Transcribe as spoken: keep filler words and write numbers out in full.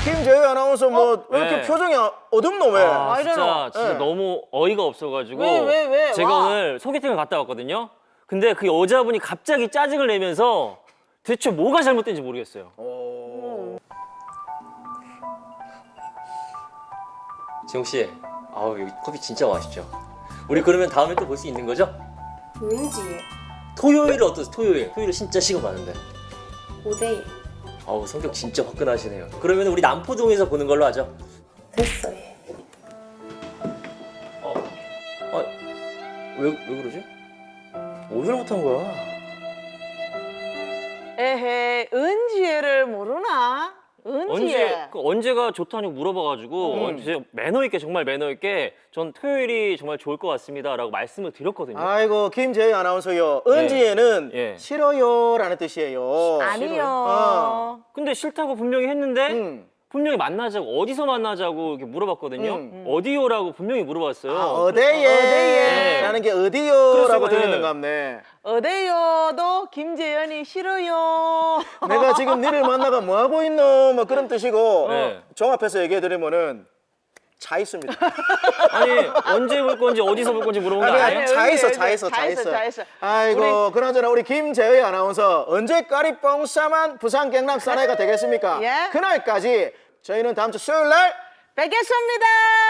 김재희 아나운서 뭐 왜 이렇게 네. 표정이 어둡노 왜? 아, 아, 진짜 이러노. 진짜 네. 너무 어이가 없어가지고 왜, 왜, 왜? 제가 와. 오늘 소개팅을 갔다 왔거든요. 근데 그 여자분이 갑자기 짜증을 내면서 대체 뭐가 잘못된지 모르겠어요. 지용 씨, 아우 여기 커피 진짜 맛있죠. 우리 그러면 다음에 또 볼 수 있는 거죠? 왠지 토요일 어떠세요? 토요일. 토요일 진짜 시간 많은데. 오데이 아우 성격 진짜 화끈하시네요. 그러면 우리 남포동에서 보는 걸로 하죠. 됐어 얘. 어, 아, 왜, 왜 그러지? 오늘 못한 거야. 에헤, 은지혜를 모르나? 은지혜. 언제 그 언제가 좋다고 물어봐가지고 음. 언제 매너 있게 정말 매너 있게 전 토요일이 정말 좋을 것 같습니다라고 말씀을 드렸거든요. 아이고 김재희 아나운서요. 은지에는 예. 싫어요라는 뜻이에요. 아니요. 어. 근데 싫다고 분명히 했는데 음. 분명히 만나자고 어디서 만나자고 이렇게 물어봤거든요. 음. 어디요라고 분명히 물어봤어요. 아, 어데예라는 게 어디요라고 그래서, 들리는 예. 것 같네. 어데요도 김재현이 싫어요. 내가 지금 니를 만나가 뭐 하고 있노? 뭐 그런 뜻이고 네. 종합해서 얘기해 드리면은 차 있습니다. 아니 언제 볼 건지 어디서 볼 건지 물어본 거 아니, 아니에요? 아니, 차 있어, 여기, 차 있어, 차 차 있어, 있어. 차 있어. 아이고, 그나저나 우리 김재희 아나운서 언제 까리뽕 싸만 부산 경남 사나이가 되겠습니까? 예. 그날까지 저희는 다음 주 수요일 날 뵙겠습니다.